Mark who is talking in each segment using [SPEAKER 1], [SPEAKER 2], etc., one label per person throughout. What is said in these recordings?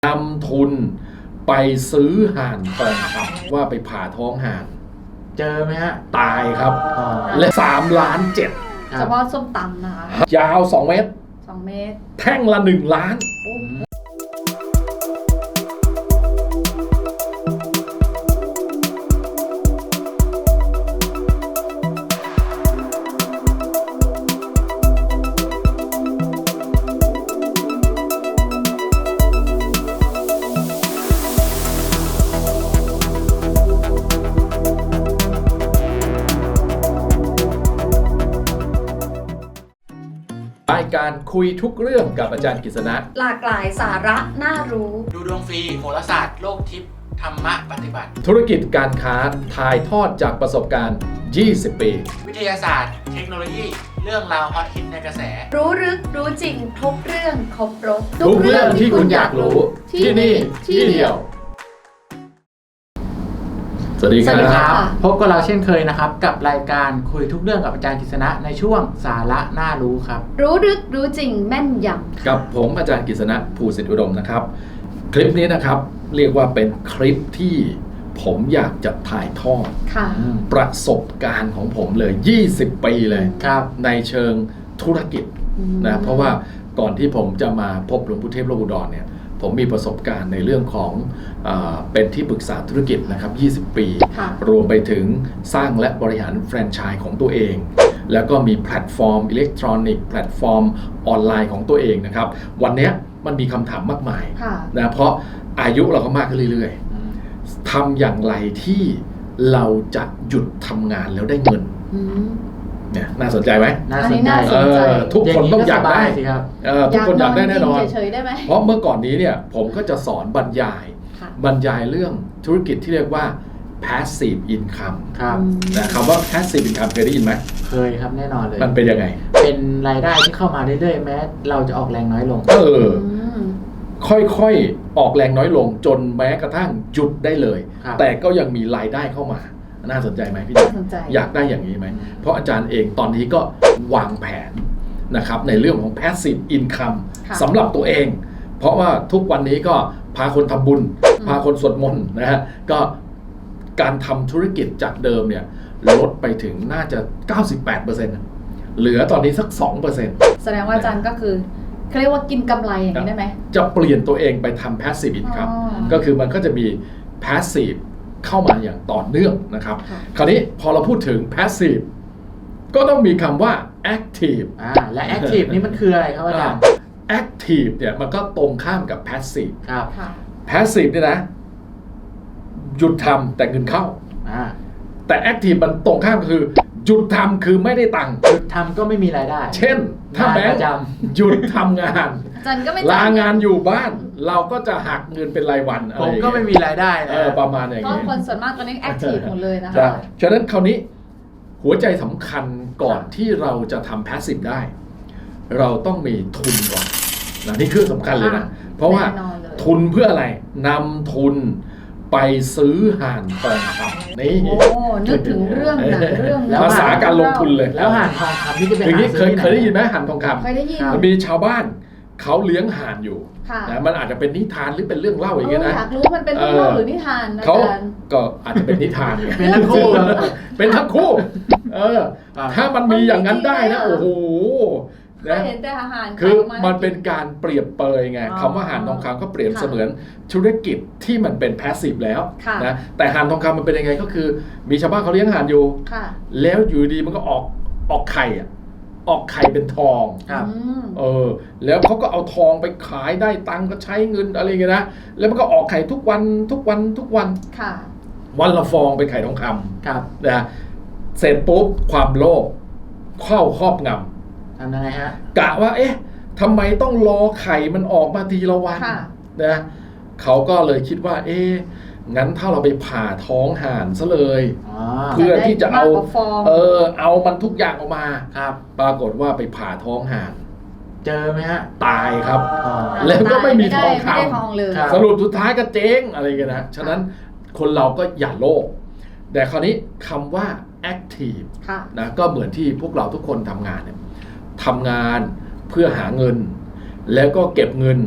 [SPEAKER 1] นำทุนไปซื้อห่านทองคำว่าไปผ่าท้องห่าน
[SPEAKER 2] เจอไหมฮะ
[SPEAKER 1] ตายครับและ3,700,000
[SPEAKER 3] เฉพาะส้มตำนะคะ
[SPEAKER 1] ยาว2 เมตร
[SPEAKER 3] 2 เมตร
[SPEAKER 1] แท่งละ1 ล้านรายการคุยทุกเรื่องกับอาจารย์กฤษณะ
[SPEAKER 3] หลากหลายสาระน่ารู้
[SPEAKER 2] ดูดวงฟรีโหราศาสตร์โลกทิพย์ธรรมะปฏิบัติ
[SPEAKER 1] ธุรกิจการค้าถ่ายทอดจากประสบการณ์20 ปี
[SPEAKER 2] วิทยาศาสตร์ เทคโนโลยี เรื่องราวฮอตฮิตในกระแส
[SPEAKER 3] รู้ลึกรู้จริงครบเรื่องครบรส
[SPEAKER 1] ทุกเรื่องที่คุณอยากรู้ที่นี่ที่เดียวสวัสดีครับ
[SPEAKER 2] พบกับเราเช่นเคยนะครับกับรายการคุยทุกเรื่องกับอาจารย์กฤษณะในช่วงสาระน่ารู้ครับ
[SPEAKER 3] รู้ลึกรู้จริงแม่นยำ
[SPEAKER 1] กับผมอาจารย์กฤษณะภูสิทธิอุดมนะครับคลิปนี้นะครับเรียกว่าเป็นคลิปที่ผมอยากจะถ่ายทอด
[SPEAKER 3] ค่ะ
[SPEAKER 1] ประสบการณ์ของผมเลย20 ปีเลย
[SPEAKER 2] ครับ
[SPEAKER 1] ในเชิงธุรกิจนะเพราะว่าก่อนที่ผมจะมาพบหลวงปู่เทพโลกอุดรเนี่ยผมมีประสบการณ์ในเรื่องของเป็นที่ปรึกษาธุรกิจนะครับ20 ปี รวมไปถึงสร้างและบริหารแฟรนไชส์ของตัวเอง แล้วก็มีแพลตฟอร์มอิเล็กทรอนิกส์แพลตฟอร์มออนไลน์ของตัวเองนะครับวันนี้มันมีคำถามมากมายนะเพราะอายุเราก็มากขึ้นเรื่อยๆทำอย่างไรที่เราจะหยุดทำงานแล้วได้เงินเนี่ยน่าสนใจไหม
[SPEAKER 2] น่าสนใจ
[SPEAKER 1] ทุกคนต้องอยากได้
[SPEAKER 2] สิครับ
[SPEAKER 1] ทุกคนอยากได้แน่นอน
[SPEAKER 3] เฉยๆได้ไหม
[SPEAKER 1] เพราะเมื่อก่อนนี้เนี่ยผมก็จะสอนบรรยายเรื่องธุรกิจที่เรียกว่า passive income
[SPEAKER 2] ครับ
[SPEAKER 1] นะคำว่า passive income เคยได้ยินไหม
[SPEAKER 2] เคยครับแน่นอนเลย
[SPEAKER 1] มันเป็นยังไง
[SPEAKER 2] เป็นรายได้ที่เข้ามาเรื่อยๆแม้เราจะออกแรงน้อยลง
[SPEAKER 1] ค่อยๆออกแรงน้อยลงจนแม้กระทั่งหยุดได้เลยแต่ก็ยังมีรายได้เข้ามาน่าสนใจไหมพี่
[SPEAKER 3] น่าสนใจ
[SPEAKER 1] อยากได้อย่างนี้ไหมเพราะอาจารย์เองตอนนี้ก็วางแผนนะครับในเรื่องของ passive income สำหรับตัวเองเพราะว่าทุกวันนี้ก็พาคนทำบุญพาคนสวดมนต์นะฮะก็การทำธุรกิจจากเดิมเนี่ยลดไปถึงน่าจะ 98% เหลือตอนนี้สัก 2%
[SPEAKER 3] แสดงว่าอาจารย์ก็คือเขาเรียกว่ากินกำไรอย่างนี้ได้ไหม
[SPEAKER 1] จะเปลี่ยนตัวเองไปทำ passive income ก็คือมันก็จะมี passive เข้ามาอย่างต่อเนื่องนะครับคราวนี้พอเราพูดถึง passive ก็ต้องมีคำว่า active
[SPEAKER 2] และ active นี่มันคืออะไรครับอาจารย์
[SPEAKER 1] active เนี่ยมันก็ตรงข้ามกับ passive
[SPEAKER 2] ครับ
[SPEAKER 1] passive เนี่ยนะหยุดทำแต่เงินเข้าแต่ active มันตรงข้ามคือหยุดทำคือไม่ได้ตังค์
[SPEAKER 2] หยุดทำก็ไม่มีรายได้
[SPEAKER 1] เช่นถ้าแบงค์หยุดทำงานลางานอยู่บ้านเราก็จะหักเงินเป็นรายวัน
[SPEAKER 2] ผมก็ไม่มีรายได้
[SPEAKER 1] ประมาณอย่างนี้
[SPEAKER 3] ก็คนส่วนมากตอนนี้ active หมดเลยนะคะ
[SPEAKER 1] ฉะนั้นคราวนี้หัวใจสำคัญก่อนที่เราจะทำ passive ได้เราต้องมีทุนก่อนนะนี่คือสำคัญเลยนะเพราะว่าทุนเพื่ออะไรนำทุนไปซื้อห่านทองคำนี่
[SPEAKER 3] นึกถึงเรื่อง
[SPEAKER 1] ภาษาการลงทุนเลย
[SPEAKER 2] แล้วห่านทองคำนี่จะเป็น
[SPEAKER 1] เคยได้ยินไหมห่านทองคำ
[SPEAKER 3] เคยได้ยิน
[SPEAKER 1] มันมีชาวบ้านเขาเลี้ยงห่านอยู่นะมันอาจจะเป็นนิทานหรือเป็นเรื่องเล่าอย่างเงี้ยนะ
[SPEAKER 3] อยากรู้มันเป็นเรื่องเล่าหรือนิทาน
[SPEAKER 1] เขาก็อาจจะเป็นนิทาน
[SPEAKER 2] เป็นทั้งคู่
[SPEAKER 1] เป็นทั้งคู่ถ้ามันมีอย่างนั้นได้นะโอ้โห
[SPEAKER 3] นะเห็นแต่อาหาร
[SPEAKER 1] คือมันเป็นการเปรียบเปยไงคำว่าห่านทองคำก็เปรียบเสมือนธุรกิจที่มันเป็นแพสซีฟแล้วนะแต่ห่านทองคำมันเป็นยังไงก็คือมีชาวบ้านเขาเลี้ยงห่านอยู่แล้วอยู่ดีมันก็ออกไข่ออกไข่เป็นทองแล้วเขาก็เอาทองไปขายได้ตังก็ใช้เงินอะไรเงี้ยนะแล้วมันก็ออกไข่ทุกวันวันละฟองเป็นไข่ทองคำนะเสร็จปุ๊บความโลภเข้าครอบงำ
[SPEAKER 2] ทำยังไงฮะ
[SPEAKER 1] กะว่าทำไมต้องรอไข่มันออกมาทีละวันนะเขาก็เลยคิดว่างั้นถ้าเราไปผ่าท้องห่านซะเลยเพื่อที่จะเอามันทุกอย่างออกมาปรากฏว่าไปผ่าท้องห่าน
[SPEAKER 2] เจอไหมฮะ
[SPEAKER 1] ตายครับแล้วก็ไม่มีทองคำสรุปสุดท้ายก็เจ๊งอะไรกันนะฉะนั้นคนเราก็อย่าโลภแต่คราวนี้คำว่า active นะก็เหมือนที่พวกเราทุกคนทำงานเนี่ยทำงานเพื่อหาเงินแล้วก็เก็บเงิน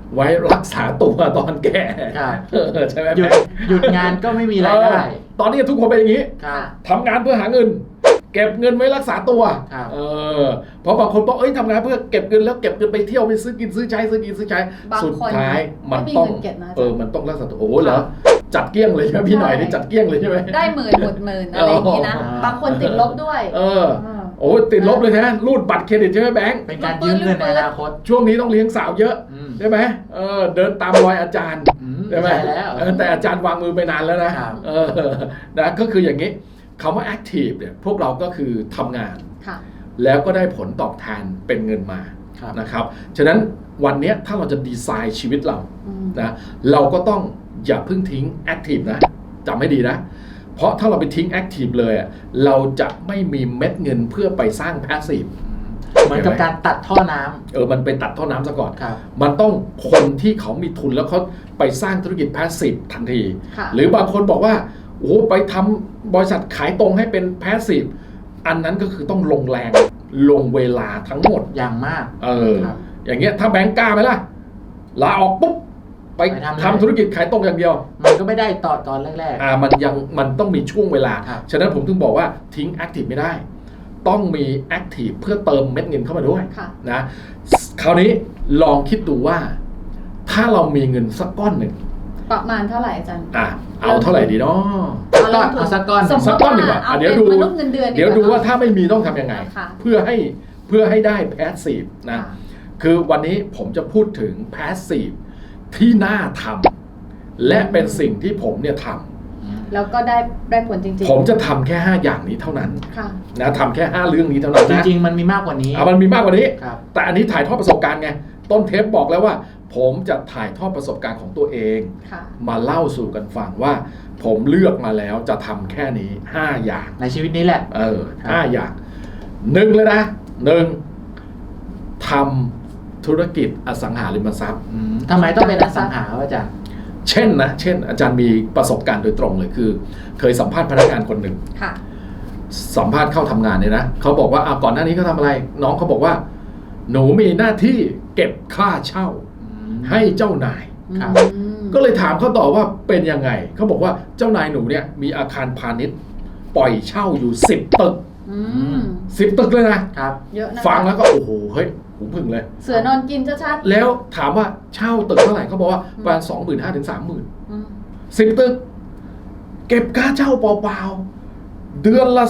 [SPEAKER 1] ไว้รักษาตัวตอนแก่
[SPEAKER 2] ครับ
[SPEAKER 1] ใช่ไหม
[SPEAKER 2] หยุดงานก็ไม่มีรายได้
[SPEAKER 1] ตอนนี้ทุกคนเป็นอย่างนี้
[SPEAKER 2] ครับ
[SPEAKER 1] ทำงานเพื่อหาเงิน เก็บเงินไว้รักษาตัว
[SPEAKER 2] ครับ
[SPEAKER 1] เพราะบางคนบอกทำงานเพื่อเก็บเงินแล้วเก็บเงินไปเที่ยวไปซื้อกินซื้อใช้ซื้อกินซื้อใช้
[SPEAKER 3] บาง
[SPEAKER 1] สุด
[SPEAKER 3] คน
[SPEAKER 1] ท้ายมัน
[SPEAKER 3] ไม่มี
[SPEAKER 1] ต้อง
[SPEAKER 3] เงินเก็บนะอาจารย์
[SPEAKER 1] มันต้องรักษาตัวโอ้โหเหรอจัดเกลี้ยงเลยใช่ไหมพี่หน่อยนี่จัดเกลี้ยงเลยใช่ไหม
[SPEAKER 3] ได้หมื่นหมดหมื่นอะไรอย่างนี้นะ บางคนติดลบด้วย
[SPEAKER 1] โอ้ติดลบเลยนะรูดบัตรเครดิตใช่ไหมแบงค์
[SPEAKER 2] เป็นการยืมเงินในอนาคต
[SPEAKER 1] ช่วงนี้ต้องเลี้ยงสาวเยอะ
[SPEAKER 2] อืม
[SPEAKER 1] ใช่ไหมเดินตามรอยอาจารย์ ใช่ไหม
[SPEAKER 2] ใช่แล้ว
[SPEAKER 1] แต่อาจารย์วางมือไปนานแล้วนะครับ นะก็คืออย่างนี้คำว่า active เนี่ยพวกเราก็คือทำงาน
[SPEAKER 3] ค่ะ
[SPEAKER 1] แล้วก็ได้ผลตอบแทนเป็นเงินมา
[SPEAKER 2] ครับ
[SPEAKER 1] นะครับฉะนั้นวันเนี้ยถ้าเราจะดีไซน์ชีวิตเรา
[SPEAKER 3] อืม
[SPEAKER 1] นะเราก็ต้องอย่าเพิ่งทิ้ง active นะจำให้ดีนะ เพราะถ้าเราไปทิ้ง active เลยอะเราจะไม่มีเม็ดเงินเพื่อไปสร้าง passive
[SPEAKER 2] เหมือนกับการตัดท่อน้ำ
[SPEAKER 1] มันไปตัดท่อน้ำซะก่อน
[SPEAKER 2] ครับ
[SPEAKER 1] มันต้องคนที่เขามีทุนแล้วเขาไปสร้างธุรกิจ passive ทันที
[SPEAKER 3] ค่ะ
[SPEAKER 1] หรือบางคนบอกว่าโอ้ไปทำบริษัทขายตรงให้เป็น passive อันนั้นก็คือต้องลงแรงลงเวลาทั้งหมด
[SPEAKER 2] อย่างมาก ครับ
[SPEAKER 1] อย่างเงี้ยถ้าแบงก์กล้าไหมล่ะลาออกปุ๊บไป
[SPEAKER 2] ไปทำเลย
[SPEAKER 1] ทำธุรกิจขายตรงอย่างเดียว
[SPEAKER 2] มันก็ไม่ได้ต่อตอนแรก
[SPEAKER 1] มันต้องมีช่วงเวลา
[SPEAKER 2] ครับ
[SPEAKER 1] ฉะนั้นผมถึงบอกว่าทิ้ง active ไม่ได้ ต้องมี active เพื่อเติมเม็ดเงินเข้ามาด้วย
[SPEAKER 3] ค่ะ
[SPEAKER 1] นะคราวนี้ลองคิดดูว่า ถ้าเรามีเงินสักก้อนหนึ่ง
[SPEAKER 3] ประมาณเท่าไหร่อาจารย์
[SPEAKER 1] เอาเท่าไหร่ดีเนาะ
[SPEAKER 2] ๆก้อนเอาสักก้อน
[SPEAKER 3] สมม
[SPEAKER 1] สัก
[SPEAKER 3] ติ
[SPEAKER 1] ก้อน
[SPEAKER 3] ว่า
[SPEAKER 1] ดีกว่า
[SPEAKER 3] เอา
[SPEAKER 1] เดี๋
[SPEAKER 3] เป็
[SPEAKER 1] ยวน ดู
[SPEAKER 3] มนุษย์เงินเดือน
[SPEAKER 1] เดี๋ยวดูว่า
[SPEAKER 3] ค่ะ
[SPEAKER 1] ถ้าไม่มีต้องทำยังไง
[SPEAKER 3] ค่ะ
[SPEAKER 1] เพื่อให้ได้ passive นะ
[SPEAKER 3] ค่ะ
[SPEAKER 1] คือวันนี้ผมจะพูดถึง passive ที่น่าทำและเป็นสิ่งที่ผมเนี่ยท
[SPEAKER 3] แล้วก็ได้ผลจริง
[SPEAKER 1] ำผมจะทำแค่ 5 อย่างนี้เท่านั้น
[SPEAKER 3] ๆ ค่ะ
[SPEAKER 1] นะทำแค่ 5 เรื่องนี้เท่านั้น
[SPEAKER 2] จ
[SPEAKER 1] นะ
[SPEAKER 2] ริงๆ มันมีมากกว่านี้
[SPEAKER 1] มันมีมากกว่านี้
[SPEAKER 2] ครับ
[SPEAKER 1] แต่อันนี้ถ่ายทอดประสบการณ์ไง ต้นเทปบอกแล้วว่า ผมจะถ่ายทอดประสบการณ์ของตัวเอง
[SPEAKER 3] ค่ะ
[SPEAKER 1] มาเล่าสู่กันฟังว่า ผมเลือกมาแล้วจะทำแค่นี้ 5 อย่าง
[SPEAKER 2] ในชีวิตนี้แหละ
[SPEAKER 1] ห้าอย่างหนึ่งเลยนะทำธุรกิจอสังหาริมทรัพย์
[SPEAKER 2] ทำไมต้องเป็นอสังหาวะอาจารย์
[SPEAKER 1] เช่นอาจารย์มีประสบการณ์โดยตรงเลยคือ เคยสัมภาษณ์พนักงานคนหนึ่ง
[SPEAKER 3] ค่ะ
[SPEAKER 1] สัมภาษณ์เข้าทำงานเนี่ยนะเขาบอกว่าก่อนหน้านี้เขาทำอะไร น้องเขาบอกว่า หนูมีหน้าที่เก็บค่าเช่าให้เจ้านาย
[SPEAKER 2] ครับ
[SPEAKER 3] อืม
[SPEAKER 1] ก็เลยถามเขาต่อว่าเป็นยังไงเขาบอกว่าเจ้านายหนูเนี่ยมีอาคารพาณิชย์ปล่อยเช่าอยู่10 ตึก
[SPEAKER 3] อืม
[SPEAKER 1] 10 ตึกเลยนะครับ
[SPEAKER 3] เยอะนะ
[SPEAKER 1] ฟังแล้วก็โอ้โหเฮ้ยหูพึ่งเลย
[SPEAKER 3] เสือนอนกินชัด
[SPEAKER 1] แล้วถามว่าเช่าตึกเท่าไหร่เขาบอกว่าประมาณ25,000 ถึง 30,000
[SPEAKER 3] ๆอืม
[SPEAKER 1] 10 ตึก เก็บค่าเช่าเปล่าๆเดือนละ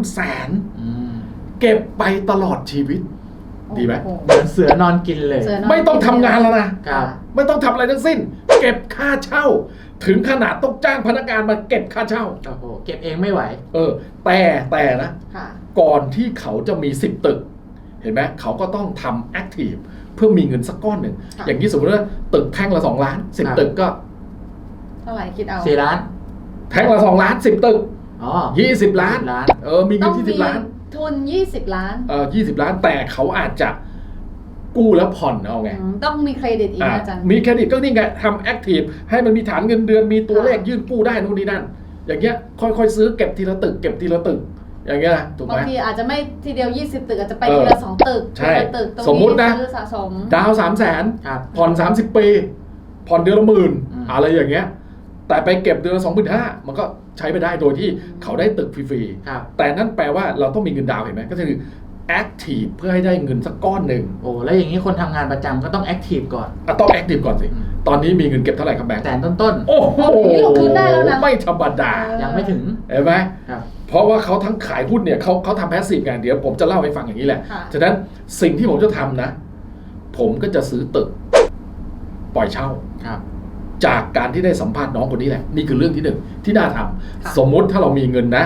[SPEAKER 1] 300,000เก็บไปตลอดชีวิต ดีไหม
[SPEAKER 3] โอ้โ
[SPEAKER 2] เหมือนเสือนอนกินเลย
[SPEAKER 3] เสือนน
[SPEAKER 1] ไม่ต้องทำงานแล้วนะ
[SPEAKER 2] ครับ
[SPEAKER 1] ไม่ต้องทำอะไรทั้งสิ้น เก็บค่าเช่า ถึงขนาดต้องจ้างพนักงานมาเก็บค่าเช่า
[SPEAKER 2] โอ้โห เก็บเองไม่ไหว
[SPEAKER 1] แต่นะ
[SPEAKER 3] ค่ะ
[SPEAKER 1] ก่อนที่เขาจะมี10 ตึก เห็นไหมเขาก็ต้องทำแอคทีฟเพื่อมีเงินสักก้อนหนึ่ง
[SPEAKER 3] ค่ะ
[SPEAKER 1] อย่างที่สมมติว่าตึกแท่งละ2 ล้าน
[SPEAKER 2] ครับ
[SPEAKER 1] 10 ตึกก็
[SPEAKER 3] เท่าไหร่คิดเอา
[SPEAKER 2] 4 ล้าน
[SPEAKER 1] แท่งละ2 ล้าน 10 ตึก
[SPEAKER 2] อ๋อ
[SPEAKER 1] 20 ล้าน
[SPEAKER 2] ล้าน
[SPEAKER 1] มี
[SPEAKER 3] ต้
[SPEAKER 1] เงิ
[SPEAKER 3] อน ง
[SPEAKER 1] ที่
[SPEAKER 3] มี
[SPEAKER 1] 10 ล้าน
[SPEAKER 3] ทุน20 ล้าน
[SPEAKER 1] 20 ล้าน แต่เขาอาจจะกู้แล้วผ่อนเอาไง
[SPEAKER 3] ต้องมีเครดิตอีกนะอาจารย์
[SPEAKER 1] มีเครดิตก็นี่ไงทำแอคทีฟให้มันมีฐานเงินเดือนมีตัวเลข
[SPEAKER 3] ค่ะ
[SPEAKER 1] ยื่นกู้ได้นู่นนี่นั่น อย่างเงี้ยค่อยๆซื้อเก็บทีละตึกเก็บทีละตึก อย่างเงี้ยนะถูกไห
[SPEAKER 3] บาม งทีอาจจะไม่ทีเดียว20 ตึกอาจจะไป
[SPEAKER 1] เออ
[SPEAKER 3] ทีละ2 ตึก
[SPEAKER 1] ใช่
[SPEAKER 3] ทีละตึกตรง
[SPEAKER 1] สมมุตินะ
[SPEAKER 3] ซื้อสะสม
[SPEAKER 1] ดาว300,000
[SPEAKER 2] ครับ
[SPEAKER 1] ผ่อน 30 ปี ผ่อนเดือนละ10,000 อะไรอย่างเงี้ย แต่ไปเก็บเดือนละ25,000 มันก็ใช้ไปได้โดยที่เขาได้ตึกฟรี
[SPEAKER 2] ครับ
[SPEAKER 1] ๆ แต่นั่นแปลว่าเราต้องมีเงินดาวน์เห็นไหมก็คือแอคทีฟเพื่อให้ได้เงินสักก้อนหนึ่ง
[SPEAKER 2] โอ้ แล้วอย่างนี้คนทำงานประจำก็ต้องแอคทีฟก่อน
[SPEAKER 1] ต้องแอคทีฟก่อนสิ ตอนนี้มีเงินเก็บเท่าไหร่ครับแบงค์
[SPEAKER 2] แสนต้น
[SPEAKER 1] โอ้โห
[SPEAKER 3] นี่ลงทุนได้แล้วนะ
[SPEAKER 1] ไม่ธรรมดา
[SPEAKER 2] ๆ ยังไม่ถึง
[SPEAKER 1] เห็นไหม
[SPEAKER 2] ครับ
[SPEAKER 1] เพราะว่าเขาทั้งขายหุ้นเนี่ยเขาทำแพสซีฟกันเดี๋ยวผมจะเล่าให้ฟังอย่างนี้แหละ
[SPEAKER 3] ค่ะ
[SPEAKER 1] ฉะนั้นสิ่งที่ผมจะทำนะ ผมก็จะซื้อตึก ปล่อยเช่า
[SPEAKER 2] ครับ
[SPEAKER 1] จากการที่ได้สัมภาษณ์น้องคนนี้แหละ นี่คือเรื่องที่หนึ่งที่น่าทำ
[SPEAKER 3] ค่ะ
[SPEAKER 1] สมมุติถ้าเรามีเงินนะ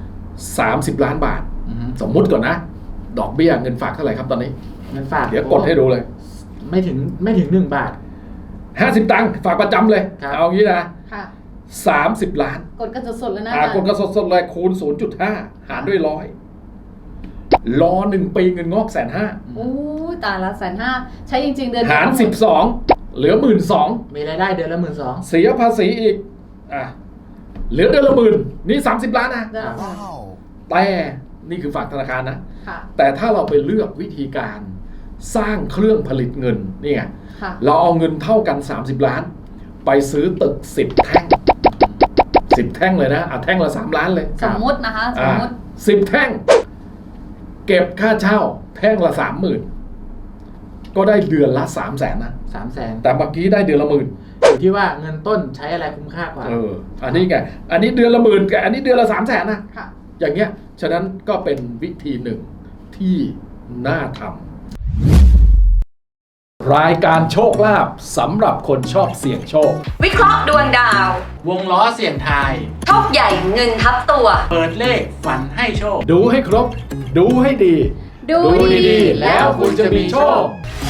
[SPEAKER 1] 30 ล้านบาท สมมุติก่อนนะ ดอกเบี้ยเงินฝากเท่าไหร่ครับตอนนี้
[SPEAKER 2] เงินฝาก
[SPEAKER 1] เดี๋ยวกดให้ดูเลย
[SPEAKER 2] ไม่ถึง1 บาท
[SPEAKER 1] 50 ตังค์ฝากประจำเลย
[SPEAKER 2] ครับ
[SPEAKER 1] เอางี้นะ
[SPEAKER 3] ค่ะ
[SPEAKER 1] 30 ล้าน
[SPEAKER 3] กดกันสดๆเลยนะอาจารย์
[SPEAKER 1] กดกระสดๆเลยคูณ 0.5 หารด้วย100รอ1 ปีเงินงอก150,000
[SPEAKER 3] โอ้ยตายละ150,000ใช้จริงๆเดือน
[SPEAKER 1] หาร
[SPEAKER 3] เดียว
[SPEAKER 1] 12 เหลือ 12,000
[SPEAKER 2] มีรายได้เดือนละ12,000
[SPEAKER 1] เสียภาษีอีกเหลือเดือนละ10,000นี่30 ล้านนะ
[SPEAKER 3] เดือนละ
[SPEAKER 1] แต่นี่คือฝากธนาคารนะ
[SPEAKER 3] ค่ะ
[SPEAKER 1] แต่ถ้าเราไปเลือกวิธีการสร้างเครื่องผลิตเงินนี่ไง
[SPEAKER 3] ค่ะ
[SPEAKER 1] เราเอาเงินเท่ากัน30 ล้าน ไปซื้อตึก10 แท่ง10 แท่งเลยนะแท่งละ3 ล้านเลย
[SPEAKER 3] สมมตินะคะสมมติ
[SPEAKER 1] 10 แท่ง เก็บค่าเช่า แท่งละ 30,000 ก็ได้เดือนละ300,000นะ
[SPEAKER 2] 300,000
[SPEAKER 1] แต่เมื่อกี้ได้เดือนละ 10,000
[SPEAKER 2] อยู่ที่ว่าเงินต้นใช้อะไรคุ้มค่ากว่า
[SPEAKER 1] อันนี้ไงอันนี้เดือนละ 10,000กับอันนี้เดือนละ300,000นะ
[SPEAKER 3] ค่ะ
[SPEAKER 1] อย่างเงี้ยฉะนั้นก็เป็นวิธีหนึ่งที่น่าทำรายการโชคลาภสำหรับคนชอบเสี่ยงโชค
[SPEAKER 4] วิเคราะห์ดวงดาว
[SPEAKER 2] วงล้อเสี่ยงทาย
[SPEAKER 4] โชคใหญ่เงินทับตัว
[SPEAKER 2] เปิดเลขฝันให้โชค
[SPEAKER 1] ดูให้ครบ ดูให้ดี
[SPEAKER 3] ดูดี
[SPEAKER 1] ๆแล้วคุณจะมีโชค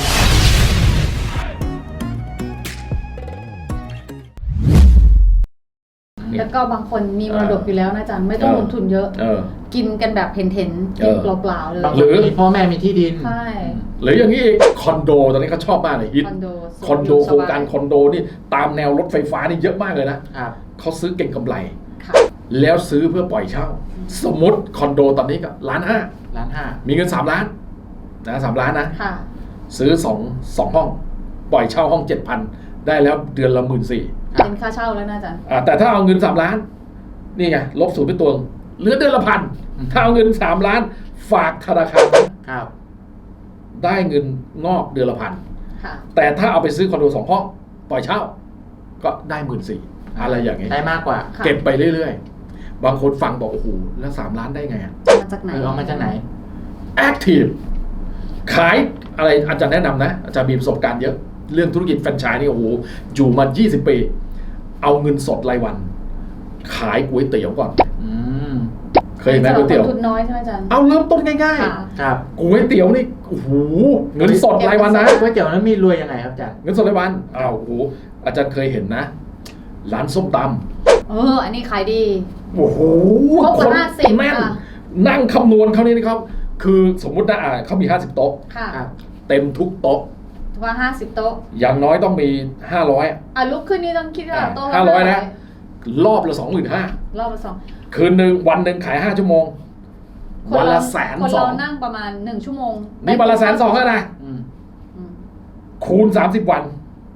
[SPEAKER 3] แล้วก็บางคนมีมรดกอยู่แล้วนะอาจารย์ไม่ต้องลงทุนเยอะ กินกันแบบเห็นกินเปล่าๆเลย
[SPEAKER 2] บาง
[SPEAKER 1] ห
[SPEAKER 2] ค
[SPEAKER 1] รื
[SPEAKER 2] น
[SPEAKER 1] อ
[SPEAKER 2] มีพ่อแม่มีที่ดิน
[SPEAKER 3] ใช่
[SPEAKER 1] หรืออย่างนี้อีกคอนโดตอนนี้เขาชอบมากเลยฮิต
[SPEAKER 3] คอนโด
[SPEAKER 1] คอนโดโครงการคอนโดนี่ตามแนวรถไฟฟ้านี่เยอะมากเลยนะครับ เขาซื้อเก่งกำไร
[SPEAKER 3] ค่ะ
[SPEAKER 1] แล้วซื้อเพื่อปล่อยเช่า สมมติคอนโดตอนนี้ก็1.5 ล้าน
[SPEAKER 2] 1,500,000
[SPEAKER 1] มีเงิน3 ล้านนะ3 ล้านนะ
[SPEAKER 3] ค่ะ
[SPEAKER 1] ซื้อ2ห้อง ปล่อยเช่าห้อง 7,000 ได้แล้วเดือนละ 14,000
[SPEAKER 3] เป็นค่าเช่าแล้วนะอาจารย์
[SPEAKER 1] แต่ถ้าเอาเงิน3 ล้าน นี่ไงลบ0ไปตัวเหลือเดือนละ 1,000 ถ้าเอาเงิน3 ล้าน ฝากธนาคาร
[SPEAKER 2] ครับ
[SPEAKER 1] ได้เงินงอกเดือนละ
[SPEAKER 3] ค่ะ
[SPEAKER 1] 1,000 แต่ถ้าเอาไปซื้อคอนโด2 ห้อง ปล่อยเช่า ก็ได้ 14,000 อะไรอย่างนี้
[SPEAKER 2] ได้มากกว่า
[SPEAKER 3] ค่ะ
[SPEAKER 1] เก็บไปเรื่อยๆ บางคนฟังบอกโอ้โหแล้ว3 ล้านได้ไงอะ
[SPEAKER 3] มาจากไหน
[SPEAKER 2] เอามาจากไหน
[SPEAKER 1] Active ขายอะไรอาจารย์แนะนำนะอาจารย์มีประสบการณ์เยอะ เรื่องธุรกิจแฟรนไชส์นี่โอ้โหอยู่มา20 ปี เอาเงินสดรายวัน ขายก๋วยเตี๋ยวก่อน
[SPEAKER 2] อืม
[SPEAKER 1] เคยเห็นไหมก๋วยเตี๋ยว
[SPEAKER 3] สำหรับคนทุนน้อยใช่ไหมอาจารย์
[SPEAKER 1] เอาเริ่มต้นง่าย
[SPEAKER 3] ค่ะ
[SPEAKER 2] ครับ
[SPEAKER 1] ๆก๋วยเตี๋ยวนี่โอ้โหเงินสดรายวันนะ
[SPEAKER 2] ก๋วยเตี๋ยวนั้นมีรวยยังไงครับอาจารย์
[SPEAKER 1] เงินสดรายวันอ้าวโอ้โหอาจารย์เคยเห็นนะ ร้านส้มต
[SPEAKER 3] อันนี้ขายดี
[SPEAKER 1] ำโอ้โห
[SPEAKER 3] ครบกว่า
[SPEAKER 1] คน
[SPEAKER 3] 50
[SPEAKER 1] แน่น
[SPEAKER 3] ค่ะ
[SPEAKER 1] นั่งคำนวณเขานี่นะครับ คือสมมุตินะเขามี50 โต๊ะ
[SPEAKER 3] ค่ะ
[SPEAKER 2] ครับ
[SPEAKER 1] เต็มทุกโต๊ะ
[SPEAKER 3] ว่า50 โต๊ะ
[SPEAKER 1] อย่างน้อยต้องมี500
[SPEAKER 3] ลุกขึ้นนี่ต้องคิดว่าโต๊ะละ
[SPEAKER 1] 500นะรอบละ 25,000
[SPEAKER 3] รอบละสอง
[SPEAKER 1] คืนหนึ่งวันหนึ่งขาย5 ชั่วโมง วันละ120,000
[SPEAKER 3] คนเรานั่งประมาณ1 ชั่วโมง
[SPEAKER 1] นี่วันละ120,000แล้วนะ
[SPEAKER 2] อืม
[SPEAKER 3] อืม
[SPEAKER 1] คูณ30 วัน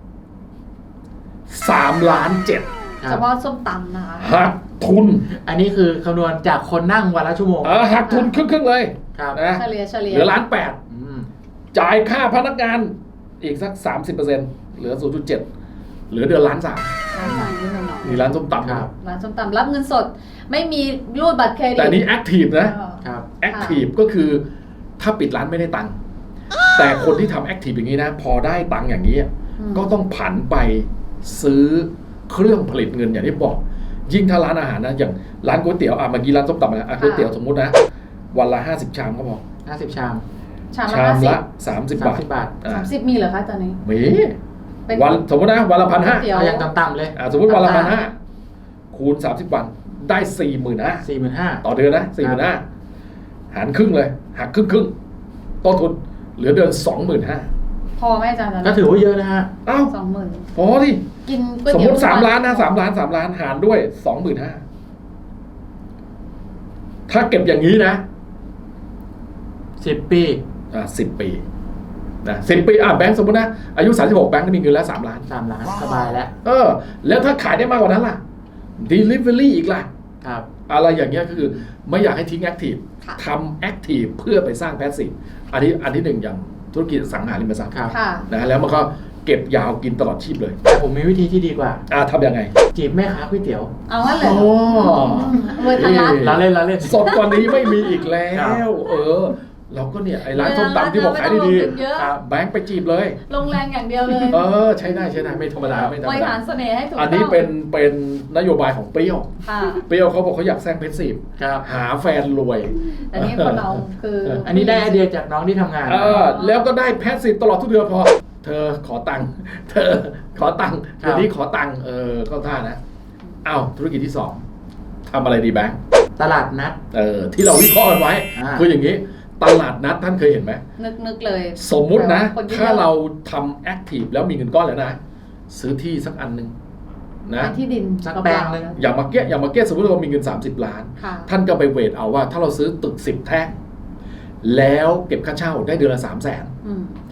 [SPEAKER 1] 3 ล้าน 7
[SPEAKER 2] ครั
[SPEAKER 3] เฉ
[SPEAKER 2] บ
[SPEAKER 3] พาะส้มตำนะคะ
[SPEAKER 1] หักทุน
[SPEAKER 2] อันนี้คือคำนวณจากคนนั่งวันละชั่วโมง
[SPEAKER 1] หักทุนครึ่งๆเลย
[SPEAKER 2] ครับ
[SPEAKER 1] นะ
[SPEAKER 3] เฉลี่ย
[SPEAKER 1] เหลือ1.8 ล้าน
[SPEAKER 2] อืม
[SPEAKER 1] จ่ายค่าพนักงานอีกสัก 30%เหลือ 0.7 เหลือเดือน1.3 ล้าน
[SPEAKER 3] ร้านสั่งนิดหน่อย
[SPEAKER 1] นี่ร้านส้มตำ
[SPEAKER 2] ครับ
[SPEAKER 3] ร้านส้มตำรับเงินสด ไม่มีรูดบัตรเครดิต
[SPEAKER 1] แต่นี่แอคทีฟนะ
[SPEAKER 2] ครับ
[SPEAKER 1] แอคทีฟก็คือถ้าปิดร้านไม่ได้ตังค์แต่คนที่ทำแอคทีฟอย่างนี้นะ พอได้ตังค์อย่างนี้ ก็ต้องผันไปซื้อเครื่องผลิตเงินอย่างที่บอก ยิ่งถ้าร้านอาหารนะอย่างร้านก๋วยเตี๋ยวเมื่อกี้ร้านส้มตำนะก๋วยเตี๋ยวสมมุตินะ วันละ50 ชามก็พอ
[SPEAKER 2] 50 ชาม
[SPEAKER 3] ชาม
[SPEAKER 1] ชาม
[SPEAKER 3] ละ
[SPEAKER 1] ละ30 บาท
[SPEAKER 2] 30 บาท
[SPEAKER 3] 30มีเหรอคะตอนนี้
[SPEAKER 1] มี
[SPEAKER 3] เป็น
[SPEAKER 1] วันสมมตินะวันละ
[SPEAKER 3] ก๋วยเตี๋ยว
[SPEAKER 2] เอาอย่างต่ำๆเลย
[SPEAKER 1] 1,500สมมติวันละ1,500คูณ30 วันได้ 45,000
[SPEAKER 2] 45,000
[SPEAKER 1] ต่อเดือนนะ45,000หารครึ่งเลยหักครึ่งต้นทุนเหลือเดือน 25,000
[SPEAKER 3] พอไหมอาจารย์ตอน
[SPEAKER 2] ก็
[SPEAKER 3] นั้น
[SPEAKER 2] ถือว่าเยอะนะฮะ
[SPEAKER 1] อ้าว
[SPEAKER 3] 20,000
[SPEAKER 1] พอที่
[SPEAKER 3] กินก๋วย
[SPEAKER 1] สม
[SPEAKER 3] เตี๋
[SPEAKER 1] ม
[SPEAKER 3] ยว
[SPEAKER 1] ติ3 ล้านนะ3 ล้าน3 ล้านหารด้วย 25,000ถ้าเก็บอย่างนี้นะ
[SPEAKER 2] 10 ปี
[SPEAKER 1] 10 ปีนะ10 ปีแบงค์สมมตินะอายุ36แบงค์มีเงินแล้ว3 ล้าน
[SPEAKER 2] 3 ล้านสบายแล้ว
[SPEAKER 1] แล้วถ้าขายได้มากกว่านั้นล่ะ delivery อีกล่ะ
[SPEAKER 2] ครับ
[SPEAKER 1] อะไรอย่างเงี้ยคือไม่อยากให้ทิ้งแอคทีฟ
[SPEAKER 3] ค่ะ
[SPEAKER 1] ทำแอคทีฟเพื่อไปสร้างแพสซีฟอันที่หนึ่งอย่างธุรกิจอสังหาริมทรัพย์
[SPEAKER 2] ครับ
[SPEAKER 3] ค่ะ
[SPEAKER 1] นะแล้วมันก็เก็บยาวกินตลอดชีพเลย
[SPEAKER 2] แต่ผมมีวิธีที่ดีกว่า
[SPEAKER 1] ทำยังไง
[SPEAKER 2] จีบแม่ค้าก๋วยเตี๋ยว
[SPEAKER 3] เอาว่าเลย
[SPEAKER 1] โอ้
[SPEAKER 3] เวอร์ทันรัฐ
[SPEAKER 2] เราเล่นเราเล่น
[SPEAKER 1] สดกว่านี้ไม่มีอีกแล้
[SPEAKER 2] ครับ
[SPEAKER 1] ว เราก็เนี่ยไอ้ร้านส้มตำที่บอกขายดี
[SPEAKER 3] ไม่ต้องลงทุนเยอะ
[SPEAKER 1] แบงค์ไปจีบเลย
[SPEAKER 3] ลงแรงอย่างเดียวเลย
[SPEAKER 1] ใช้ได้ไม่ธรรมดาไม่ธรร
[SPEAKER 3] บ
[SPEAKER 1] ม
[SPEAKER 3] ริ
[SPEAKER 1] ดา
[SPEAKER 3] หารเสน่ห์ให้ถูกต้อง
[SPEAKER 1] อันนี้เป็นนโยบายของเปรี้ยว
[SPEAKER 3] ค่ะ
[SPEAKER 1] เปรี้ยวเขาบอกเขาอยากแซงเพชรซีฟ
[SPEAKER 2] ครับ
[SPEAKER 1] หาแฟนรวย
[SPEAKER 3] แต่นี่คนเราคือ
[SPEAKER 2] อันนี้ได้ไอเดียจากน้องที่ทำงาน
[SPEAKER 1] แล้วก็ได้แพสซีฟตลอดทุกเดือนพอ เธอขอตังค์เธอขอตังค์เดี๋ยวนี้ขอตังค์ก็ท่านะธุรกิจที่ 2ทำอะไรดีแบงค์
[SPEAKER 2] ตลาดนัด
[SPEAKER 1] ที่เราวิเคราะห์กันไว้ คืออย่างนี้ตลาดนัดท่านเคยเห็นไหม
[SPEAKER 3] นึกเลย
[SPEAKER 1] สมมุตินะ
[SPEAKER 3] คนเยอะๆ
[SPEAKER 1] ถ้าเราทำแอคทีฟแล้วมีเงินก้อนแล้วนะ ซื้อที่สักอันหนึ่งนะ
[SPEAKER 3] เป็นที่ดิน
[SPEAKER 2] สักแปลงหนึ่ง
[SPEAKER 1] อย่างมาเก็ตสมมติเรามีเงิน30 ล้าน
[SPEAKER 3] ค่ะ
[SPEAKER 1] ท่านก็ไปเวทเอาว่าถ้าเราซื้อตึก10 แท่งแล้วเก็บค่าเช่าได้เดือนละ300,000
[SPEAKER 3] อืม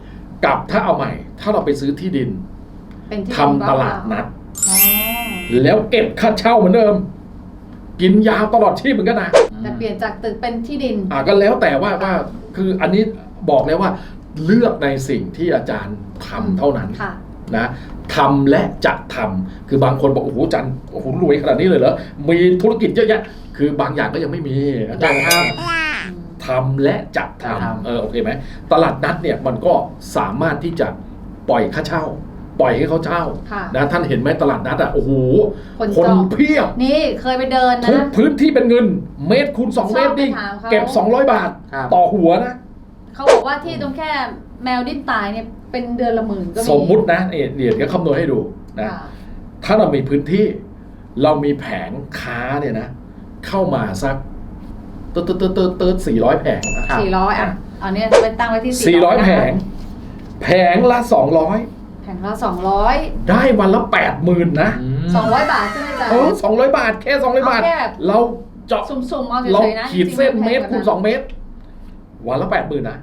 [SPEAKER 1] กับถ้าเอาใหม่ ถ้าเราไปซื้อที่ดิน
[SPEAKER 3] เป็นที่
[SPEAKER 1] ทำตลาดนัด
[SPEAKER 3] อ๋อ
[SPEAKER 1] แล้วเก็บค่าเช่าเหมือนเดิม กินยาวตลอดชีพเหมือนกันนะ
[SPEAKER 3] แต่เปลี่ยนจากตึกเป็นที่ดิน
[SPEAKER 1] ก็แล้วแต่ว่าคืออันนี้บอกเลยว่าเลือกในสิ่งที่อาจารย์ทำเท่านั้น
[SPEAKER 3] ค่ะ
[SPEAKER 1] นะทำและจะทำคือบางคนบอกโอ้โหอาจารย์โอ้โหรวยขนาดนี้เลยเหรอมีธุรกิจเยอะแยะคือบางอย่างก็ยังไม่มีอาจารย์ทำและจะทำโอเคไหมตลาดนัดเนี่ยมันก็สามารถที่จะปล่อยค่าเช่า ปล่อยให้เขาเช่า
[SPEAKER 3] ค่ะ
[SPEAKER 1] นะท่านเห็นไหมตลาดนัดโอ้โห
[SPEAKER 3] คนจอง
[SPEAKER 1] เพียบ
[SPEAKER 3] นี่เคยไปเดิน
[SPEAKER 1] ทุก
[SPEAKER 3] นะ
[SPEAKER 1] พื้นที่เป็นเงินเมตรคูณ2เมตรนี่
[SPEAKER 3] ชอบไปถามเขา
[SPEAKER 1] เก็บ200 บาท
[SPEAKER 2] ครับ
[SPEAKER 1] ต่อหัวนะ
[SPEAKER 3] เขาบอกว่าที่ตรงแค่แมวดิ้นตายเนี่ยเป็นเดือนละหมื่นก็มี
[SPEAKER 1] สมมุตินะเดี๋ยวคำนวณให้ดูนะ
[SPEAKER 3] ค่ะ
[SPEAKER 1] ถ้าเรามีพื้นที่เรามีแผงค้าเนี่ยนะเข้ามาสักตืด400 แผง
[SPEAKER 2] ครับ
[SPEAKER 3] 400เอาเนี่ยไปตั้งไว้ที่
[SPEAKER 1] 400 แผง แผงละ
[SPEAKER 3] แผงละ200
[SPEAKER 1] 200 ได้วันละ 80,000 นะ
[SPEAKER 3] 200 บาทใช่ไหมจ๊ะ
[SPEAKER 1] 200 บาทแค่200 บาท
[SPEAKER 3] เอาแค่
[SPEAKER 1] เราเจาะ
[SPEAKER 3] สุ่มๆเอา
[SPEAKER 1] เรา
[SPEAKER 3] เฉยๆนะ
[SPEAKER 1] ขีดเส้น
[SPEAKER 3] จริงๆ
[SPEAKER 1] เมตรคูณ2เมตร วันละ 80,000 นะ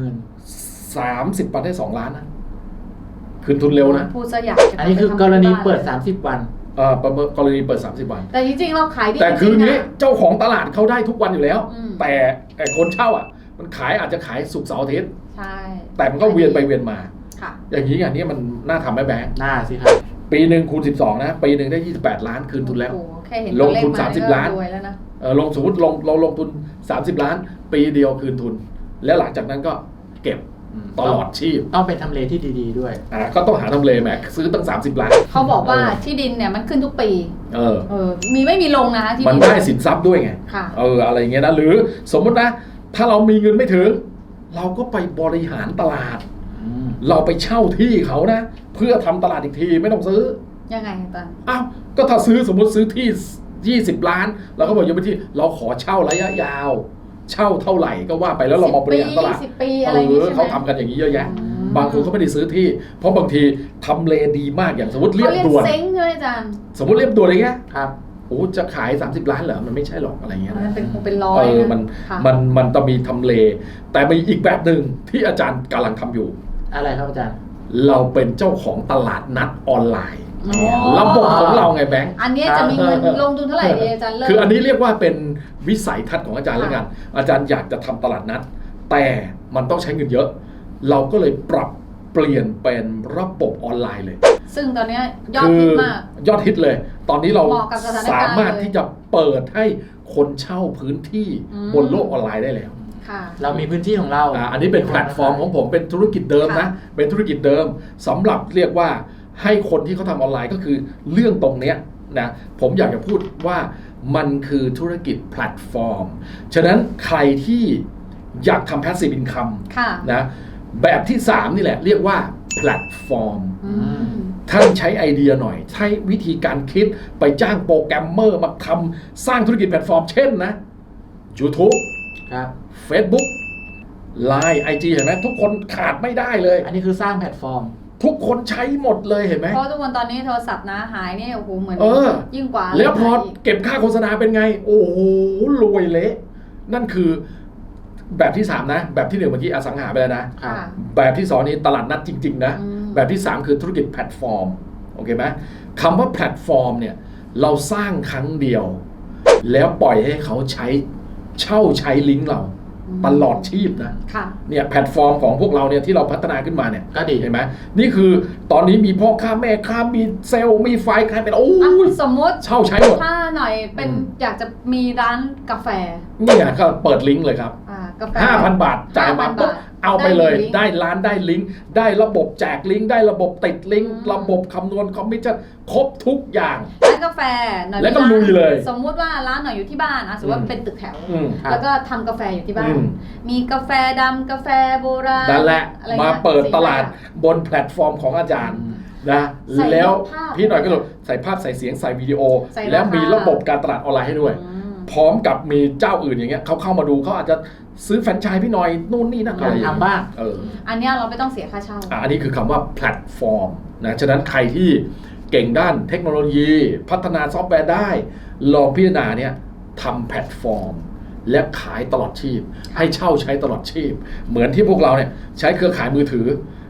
[SPEAKER 2] 80,000
[SPEAKER 1] 30 วันได้2 ล้านนะคืนทุนเร็วนะ
[SPEAKER 3] พูดซะอยากจะ
[SPEAKER 2] อันนี้คือกรณีเปิด30 วัน
[SPEAKER 1] กรณีเปิด30 วัน
[SPEAKER 3] แต่จริงๆเราขายดี
[SPEAKER 1] แต่คือ
[SPEAKER 3] จริงๆ
[SPEAKER 1] งี้
[SPEAKER 3] นะ
[SPEAKER 1] เจ้าของตลาดเขาได้ทุกวันอยู่แล้ว
[SPEAKER 3] อืม
[SPEAKER 1] แต่คนเช่ามันขายอาจจะขายศุกร์เสาร์อาทิตย์
[SPEAKER 3] ใช่
[SPEAKER 1] แต่มันก็เวียนไปเวียนมา
[SPEAKER 3] ค่ะ
[SPEAKER 1] อย่างนี้มันน่าทำไหมแบงค์
[SPEAKER 2] หน้าสิครับ
[SPEAKER 1] ปีหนึ่งคูณ12นะปีหนึ่งได้28 ล้านคืนทุนแล้ว
[SPEAKER 3] โอ้โหแค่เห็น
[SPEAKER 1] ลงทุน
[SPEAKER 3] ตัวเลข
[SPEAKER 1] 30 ล้าน
[SPEAKER 3] ก็รวยแล้วนะ
[SPEAKER 1] ลงสมมติเราลงทุน30 ล้าน ปีเดียวคืนทุน แล้วหลังจากนั้นก็เก็บตลอดชีพ
[SPEAKER 2] ต้องเป็นทำเลที่ดีๆด้วย
[SPEAKER 1] ก็ต้องหาทำเลแหมซื้อตั้ง30 ล้าน
[SPEAKER 3] เขาบอกว่าที่ดินเนี่ยมันขึ้นทุกปี มีไม่มีลงนะคะที่
[SPEAKER 1] มัน
[SPEAKER 3] ดิ
[SPEAKER 1] ได้สินทรัพย์ด้วยไง
[SPEAKER 3] ค่ะ
[SPEAKER 1] อะไรเงี้ยนะหรือสมมตินะถ้าเรามีเงินไม่ถึง เราก็ไปบริหารตลาด เราไปเช่าที่เขานะ เพื่อทำตลาดอีกทีไม่ต้องซื้อ
[SPEAKER 3] ยังไงอาจารย์
[SPEAKER 1] ก็ถ้าซื้อสมมติซื้อที่20 ล้านเราก็บอกยังไม่ที่เราขอเช่าระยะยาว เช่าเท่าไหร่ก็ว่าไปแล้วเรามาบริหารตลาด
[SPEAKER 3] 10 ปีอะไรอย่างงี้ใช่ไหม
[SPEAKER 1] เขาทำกันอย่างนี้เยอะแยะ
[SPEAKER 3] อืม
[SPEAKER 1] บางคนเขาไม่ได้ซื้อที่ เพราะบางทีทำเลดีมากอย่างสมมติเรียบ
[SPEAKER 3] เขาเรียก
[SPEAKER 1] ด่วน
[SPEAKER 3] เซ้งใช่ไหมอาจารย์
[SPEAKER 1] สมมติเรียบด่วนอะไรเงี้ย
[SPEAKER 2] ครับ
[SPEAKER 1] โอ้จะขาย30 ล้านเหรอมันไม่ใช่หรอกอะไรเงี้ย
[SPEAKER 3] มัน
[SPEAKER 1] นะ
[SPEAKER 3] เป็นคงเป็นร้อยนะ ค่ะ
[SPEAKER 1] มันต้องมีทำเล แต่มีอีกแบบหนึ่งที่อาจารย์กำลังทำอยู่
[SPEAKER 2] อะไรครับอาจารย์
[SPEAKER 1] เราเป็นเจ้าของตลาดนัดออนไลน์
[SPEAKER 3] อ๋อ
[SPEAKER 1] ระบบของเราไงแบงค์
[SPEAKER 3] อันเนี้ยจะมีเงินลงทุนเท่าไหร่ดีอาจารย์เริ่ม
[SPEAKER 1] คืออันนี้เรียกว่าเป็นวิสัยทัศน์ของอาจารย์แล้วกัน อาจารย์อยากจะทำตลาดนัด แต่มันต้องใช้เงินเยอะ เราก็เลยปรับเปลี่ยนเป็นระบบออนไลน์เลย
[SPEAKER 3] ซึ่งตอนเนี้ยยอดฮิตมาก
[SPEAKER 1] ยอดฮิตเลย ตอนนี้เรา
[SPEAKER 3] เหมาะกับสถานการณ์
[SPEAKER 1] สามารถที่จะเปิดให้คนเช่าพื้นที่
[SPEAKER 3] อืม
[SPEAKER 1] บนโลกออนไลน์ได้แล้ว
[SPEAKER 3] ค่ะ
[SPEAKER 2] เรามีพื้นที่ของเรา
[SPEAKER 1] อันนี้เป็นแพลตฟอร์มของผมเป็นธุรกิจเดิมนะ
[SPEAKER 3] ค่ะ
[SPEAKER 1] เป็นธุรกิจเดิมสำหรับเรียกว่าให้คนที่เขาทำออนไลน์ก็คือเรื่องตรงเนี้ยนะผมอยากจะพูดว่ามันคือธุรกิจแพลตฟอร์ม ฉะนั้นใครที่อยากทำ passive income
[SPEAKER 3] ค่ะ
[SPEAKER 1] นะแบบที่ 3 นี่แหละเรียกว่าแพลตฟอร์ม
[SPEAKER 3] อืม
[SPEAKER 1] ท่านใช้ไอเดียหน่อย ใช้วิธีการคิดไปจ้างโปรแกรมเมอร์มาทำสร้างธุรกิจแพลตฟอร์มเช่นนะ YouTube
[SPEAKER 2] ครับ
[SPEAKER 1] Facebook Line IG เห็นไหมทุกคนขาดไม่ได้เลย
[SPEAKER 2] อันนี้คือสร้างแพลตฟอร์ม
[SPEAKER 1] ทุกคนใช้หมดเลยเห็นไหม
[SPEAKER 3] เพราะทุกคนตอนนี้โทรศัพท์นะหายเนี่ยโอ้โหเหมือน
[SPEAKER 1] เออ
[SPEAKER 3] ยิ่งกว่า
[SPEAKER 1] แล้วพอ
[SPEAKER 3] หายก
[SPEAKER 1] เก็บค่าโฆษณาเป็นไง โอ้โหรวยเละ นั่นคือแบบที่ 3 นะ แบบที่ 1เมื่อกี้อสังหาไปแล้วนะ
[SPEAKER 2] ครับ
[SPEAKER 3] ค่ะ
[SPEAKER 1] แบบที่ 2 นี้ตลาดนัดจริง ๆ นะ
[SPEAKER 3] อืม
[SPEAKER 1] แบบที่ 3 คือธุรกิจแพลตฟอร์ม โอเคไหมคำว่าแพลตฟอร์มเนี่ยเราสร้างครั้งเดียว แล้วปล่อยให้เขาใช้ลิงก์เราตลอดชีพนะ
[SPEAKER 3] ค่ะ
[SPEAKER 1] เนี่ยแพลตฟอร์มของพวกเราเนี่ยที่เราพัฒนาขึ้นมาเนี่ย
[SPEAKER 2] ก็ดี
[SPEAKER 1] เห็นไหมนี่คือตอนนี้มีพ่อค้าแม่ค้ามีเซลล์มีไฟล์ใครเป็นโอ้ย
[SPEAKER 3] สมมติ
[SPEAKER 1] เช่าใช้หมด
[SPEAKER 3] ถ้าหน่อยเป็น
[SPEAKER 1] อืม
[SPEAKER 3] อยากจะมีร้านกาแฟ
[SPEAKER 1] เนี่ยก็เปิดลิงก์เลยครับ
[SPEAKER 3] กาแฟ
[SPEAKER 1] 5,000 บาทจ่ายมา
[SPEAKER 3] 5,000
[SPEAKER 1] ปุ๊บบ
[SPEAKER 3] าท
[SPEAKER 1] เอาไปเลย
[SPEAKER 3] ได้
[SPEAKER 1] ได้ร้านได้ลิงก์ได้ระบบแจกลิงก์ได้ระบบติดลิงก์
[SPEAKER 3] อืม
[SPEAKER 1] ระบบคำนวณคอมมิชชั่นครบทุกอย่าง
[SPEAKER 3] ร้านกาแฟหน่อย
[SPEAKER 1] แล้วก็
[SPEAKER 3] มีร้าน
[SPEAKER 1] ลุยเลย
[SPEAKER 3] สมมุติว่าร้านหน่อยอยู่ที่บ้านสมมติว่าเป็นตึกแถว
[SPEAKER 1] อืม
[SPEAKER 2] ครับ
[SPEAKER 3] แล้วก็ทำกาแฟอยู่ที่บ้า
[SPEAKER 1] อื
[SPEAKER 3] น
[SPEAKER 1] ม
[SPEAKER 3] มีกาแฟดำกาแฟโบราณ
[SPEAKER 1] นั่นแหละ
[SPEAKER 3] อะไร
[SPEAKER 1] มา
[SPEAKER 3] งี้ย
[SPEAKER 1] เปิดตลาด
[SPEAKER 3] สี่ห้
[SPEAKER 1] บนแพลตฟอร์มของอาจารย์
[SPEAKER 2] อืม
[SPEAKER 1] นะ
[SPEAKER 3] ใส่
[SPEAKER 1] แล้ว
[SPEAKER 3] ภาพ
[SPEAKER 1] พี่หน่อยก็เลยใส่ภาพใส่เสียงใส่วิดีโอ
[SPEAKER 3] ใส่ราคา
[SPEAKER 1] แล้วมีระบบการตลาดออนไลน์ให้ด้วย
[SPEAKER 3] อืม
[SPEAKER 1] พร้อมกับมีเจ้าอื่นอย่างเงี้ยเขาเข้ามาดูเขาอาจจะซื้อแฟรนไชส์พี่หน่อยนู่นนี่นั่น
[SPEAKER 2] อ
[SPEAKER 1] อะไร
[SPEAKER 2] ยาก
[SPEAKER 1] อย่าง
[SPEAKER 2] ทำ
[SPEAKER 1] เงี้ย
[SPEAKER 2] บ้าง
[SPEAKER 3] อันเนี้ยเราไม่ต้องเสียค่าเช่า
[SPEAKER 1] อันนี้คือคำว่าแพลตฟอร์มนะฉะนั้นใครที่เก่งด้านเทคโนโลยีพัฒนาซอฟต์แวร์ได้ลองพิจารณาเนี่ยทำแพลตฟอร์ม และขายตลอดชีพ ให้เช่าใช้ตลอดชีพ เหมือนที่พวกเราเนี่ยใช้เครือข่ายมือถือ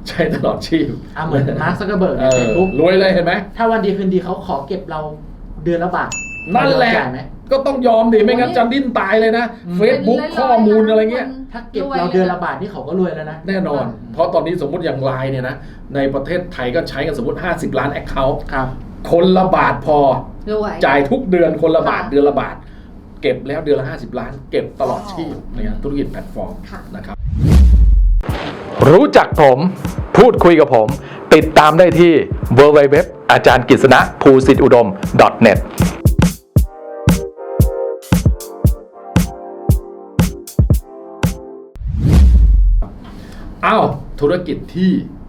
[SPEAKER 1] ใช้ตลอดชีพ
[SPEAKER 2] เหมือนมาร์ค ซักเคอร์เบิร์กในเฟซบุ๊ก
[SPEAKER 1] รวยเลยเห็นไหม
[SPEAKER 2] ถ้าวันดีคืนดีเขาขอเก็บเราเดือนละบาท
[SPEAKER 1] นั่นแหละ
[SPEAKER 2] จ่ายไหม
[SPEAKER 1] ก็ต้องยอมดิไม่งั้นจะดิ้นตายเลยนะ
[SPEAKER 2] อืม
[SPEAKER 1] Facebook ข้อมูลอะไรเงี้ย
[SPEAKER 2] ถ้าเก็บเราเดือนละบาทนี่เขาก็รวยแล้วนะ
[SPEAKER 1] แน่นอน เพราะตอนนี้สมมุติอย่างไลน์เนี่ยนะในประเทศไทยก็ใช้กันสมมติ50 ล้าน Account
[SPEAKER 2] ครับ
[SPEAKER 1] คนละบาทพอ
[SPEAKER 3] รวย
[SPEAKER 1] จ่ายทุกเดือนคนละบาท
[SPEAKER 3] ค่ะ
[SPEAKER 1] เดือนละบาท เก็บแล้วเดือนละ50 ล้าน เก็บตลอดชีพเนี่ยธุรกิจแพลตฟอร์ม
[SPEAKER 3] ค่ะ
[SPEAKER 1] นะครับรู้จักผมพูดคุยกับผม ติดตามได้ที่ www อาจารย์กฤษณะภูสิทธิอุดม .netอ้าวธุรกิจที่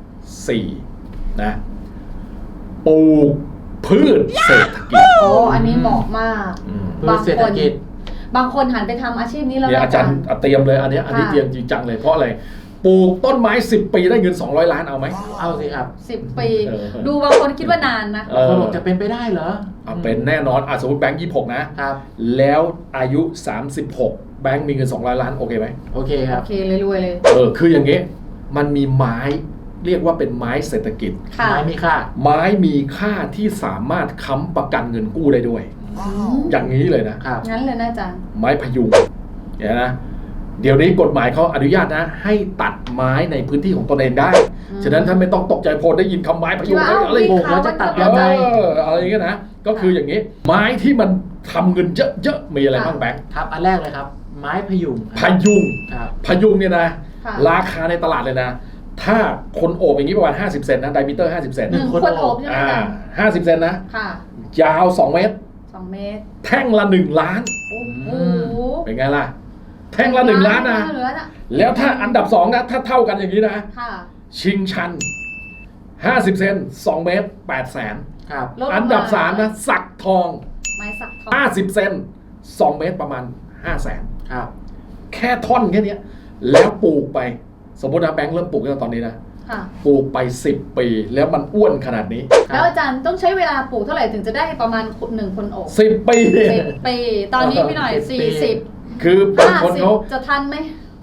[SPEAKER 1] 4 นะปลูกพืชเศรษฐกิจ
[SPEAKER 3] โอ้อันนี้เหมาะมาก
[SPEAKER 2] พืชเศรษฐกิจ
[SPEAKER 3] บางคนหันไปทำอาชีพนี้แล้ว
[SPEAKER 1] เนี่ย
[SPEAKER 3] นะ
[SPEAKER 1] อาจารย์เตรียมเลยอันนี้เตรียมจริงจังเลยเพราะอะไรปลูกต้นไม้10 ปีได้เงิน200 ล้านเอาไหม
[SPEAKER 2] เอาสิครับ
[SPEAKER 3] 10 ปี
[SPEAKER 1] เออ
[SPEAKER 3] ดูบางคนคิดว่านานนะ
[SPEAKER 2] คนบอกจะเป็นไปได้เหรอ
[SPEAKER 1] เป็นแน่นอนสมมติแบงค์26 นะ
[SPEAKER 2] ครับ
[SPEAKER 1] แล้วอายุ 36 แบงค์มีเงิน200 ล้านโอเคไหม
[SPEAKER 2] โอเคครั
[SPEAKER 3] โอบ เคเลยรวยเลย
[SPEAKER 1] คืออย่างงี้มันมีไม้เรียกว่าเป็นไม้เศรษฐกิจ
[SPEAKER 3] ค่ะ
[SPEAKER 2] ไม้มีค่า
[SPEAKER 1] ไม้มีค่าที่สามารถค้ำประกันเงินกู้ได้ด้วย อย่างนี้เลยนะ
[SPEAKER 2] ครับ
[SPEAKER 3] งั้นเลยนะอาจารย์
[SPEAKER 1] ไม้พยุงเนี่ยนะเดี๋ยวนี้กฎหมายเขาอนุญาตนะ ให้ตัดไม้ในพื้นที่ของตนเองได้ ฉะนั้นท่านไม่ต้องตกใจพอได้ยินคำไม้พยุง
[SPEAKER 3] คิดว่า
[SPEAKER 1] อะไร
[SPEAKER 2] โอ้โหแล้วจะตัดยังไง
[SPEAKER 1] อะไรอย่างเงี้ยนะก็คืออย่างนี้ ไม้ที่มันทำเงินเยอะๆมีอะไรบ้างแบงค์
[SPEAKER 2] ครับ อันแรกเลยครับ ไม้พยุง
[SPEAKER 1] พยุง
[SPEAKER 2] ครับ
[SPEAKER 1] พยุงเนี่ยนะ
[SPEAKER 3] ค่ะ
[SPEAKER 1] ราคาในตลาดเลยนะ ถ้าคนโอบอย่างนี้ประมาณ50 เซนนะไดมิเตอร์50 เซน
[SPEAKER 3] หนึ่ง
[SPEAKER 2] คน
[SPEAKER 3] คนโอบใช่ไหมอาจารย์
[SPEAKER 1] 50 เซนนะ
[SPEAKER 3] ค่ะ
[SPEAKER 1] ยาว 2 เมตร
[SPEAKER 3] 2 เมตร
[SPEAKER 1] แท่งละ 1 ล้าน
[SPEAKER 3] โอ้โห
[SPEAKER 1] เป็นไงล่ะ แท่งละ 1 ล้านนะ
[SPEAKER 3] เหลือน่ะ
[SPEAKER 1] แล้วถ้าอันดับ 2 นะ ถ้าเท่ากันอย่างนี้นะ
[SPEAKER 3] ค่ะ
[SPEAKER 1] ชิงชัน 50 เซน2 เมตร 8 แสน
[SPEAKER 2] ครับ
[SPEAKER 3] ลดลงมา
[SPEAKER 1] อันดับ 3 นะ สักทอง
[SPEAKER 3] ไม้สักทอง
[SPEAKER 1] 50 เซน2 เมตรประมาณ 5 แสน
[SPEAKER 2] ครับ
[SPEAKER 1] แค่ท่อนแค่เนี้ยแล้วปลูกไป สมมตินะแบงค์เริ่มปลูกตั้งแต่ตอนนี้นะ
[SPEAKER 3] ค่ะ
[SPEAKER 1] ปลูกไป 10 ปีแล้วมันอ้วนขนาดนี้
[SPEAKER 3] แล้วอาจารย์ต้องใช้เวลาปลูกเท่าไหร่ถึงจะได้ประมาณ1 คนโอบ
[SPEAKER 1] 10 ปีเนี่ย
[SPEAKER 3] 10 ปี ตอนนี้พี่หน่อย
[SPEAKER 2] 10 ปี
[SPEAKER 3] 40
[SPEAKER 1] คือบางคนเขา
[SPEAKER 3] 50จะทันไหม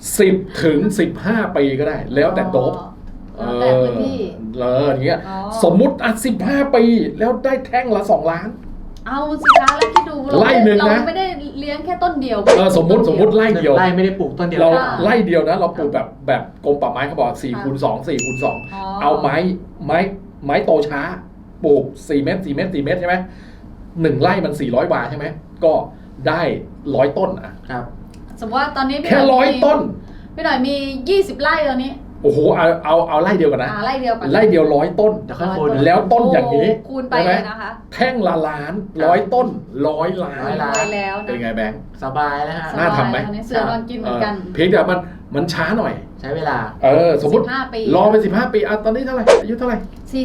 [SPEAKER 1] 10 ถึง 15 ปีก็ได้ แล้วแต่โดบ
[SPEAKER 3] แล้วแต่พื้นที่
[SPEAKER 1] อย่างเงี้ย
[SPEAKER 3] อ๋อ
[SPEAKER 1] สมมุติ15 ปีแล้วได้แท่งละ 2 ล้าน
[SPEAKER 3] เอาสิคะแล้วคิดดู
[SPEAKER 1] ไล่หนึ่งนะ
[SPEAKER 3] เราไม่ได้เลี้ยงแค่ต้นเดียว
[SPEAKER 1] สมมุติไล่เดียว
[SPEAKER 2] ไร่ไม่ได้ปลูกต้นเดียว
[SPEAKER 1] เรา
[SPEAKER 3] ค่ะ
[SPEAKER 1] ไล่เดียวนะ เราปลูกแบบกรมป่าไม้เขาบอก4 คูณ 2 4 คูณ
[SPEAKER 3] อ๋อ
[SPEAKER 1] 2 เอาไม้โตช้า ปลูก 4 เมตร 4 เมตร 4 เมตรใช่ไหม1 ไร่มัน 400 บาทใช่ไหม ก็ได้100 ต้นอ่ะ
[SPEAKER 2] ครับ
[SPEAKER 3] สมมติว่าตอนนี้พี่
[SPEAKER 1] แค่
[SPEAKER 3] หน่อย
[SPEAKER 1] 100 ต้น
[SPEAKER 3] พี่หน่อยมี 20 ไร่ตอนนี้
[SPEAKER 1] โอ้โห เอาไล่เดียวกันนะ
[SPEAKER 3] ไร่เดียวกัน
[SPEAKER 1] ไล่เดียว100 ต้น
[SPEAKER 2] เดี๋ยวค่อยคูณ
[SPEAKER 1] แล้วต้นอย่างนี้
[SPEAKER 3] โคูณไป
[SPEAKER 1] ใช่ไหม
[SPEAKER 3] เลยนะคะ
[SPEAKER 1] แท่งละล้าน100 ต้น100 ล้าน
[SPEAKER 2] 100 ล้าน
[SPEAKER 3] ไปแล้วนะ
[SPEAKER 1] เป็นไงแบงค์
[SPEAKER 2] สบายแล้วฮะ
[SPEAKER 1] น่าทำไหม
[SPEAKER 3] ตอนนี้เสือนอนกินเหมือนกัน
[SPEAKER 1] เพียงแต่มันช้าหน่อย
[SPEAKER 2] ใช้เวลา
[SPEAKER 1] สมมติ
[SPEAKER 3] 15 ปี
[SPEAKER 1] รอไป15 ปีตอนนี้เท่าไหร่อายุเท่าไหร่